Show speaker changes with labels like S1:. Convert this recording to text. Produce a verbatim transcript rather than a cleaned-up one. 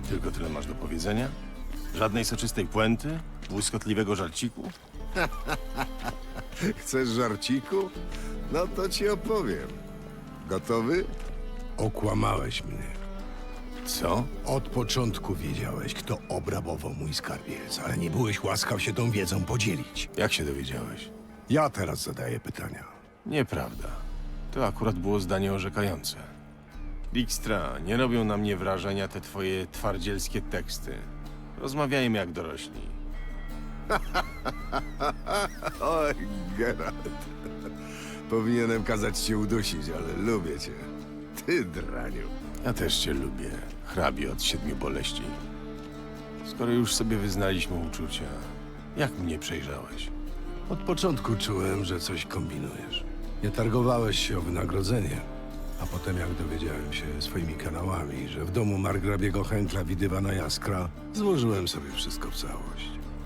S1: Tylko tyle masz do powiedzenia? Żadnej soczystej puenty? Błyskotliwego żarciku?
S2: Chcesz żarciku? No to ci opowiem. Gotowy?
S3: Okłamałeś mnie.
S1: Co?
S3: Od początku wiedziałeś, kto obrabował mój skarbiec, ale nie byłeś łaskaw się tą wiedzą podzielić.
S1: Jak się dowiedziałeś?
S3: Ja teraz zadaję pytania.
S1: Nieprawda. To akurat było zdanie orzekające. Dijkstra, nie robią na mnie wrażenia te twoje twardzielskie teksty. Rozmawiajmy jak dorośli.
S2: Oj, Geralt. Powinienem kazać cię udusić, ale lubię cię. Ty, draniu.
S1: Ja też cię lubię, hrabie od siedmiu boleści. Skoro już sobie wyznaliśmy uczucia, jak mnie przejrzałeś?
S3: Od początku czułem, że coś kombinujesz. Nie targowałeś się o wynagrodzenie, a potem jak dowiedziałem się swoimi kanałami, że w domu margrabiego Henkla widywana jaskra, złożyłem sobie wszystko w całość.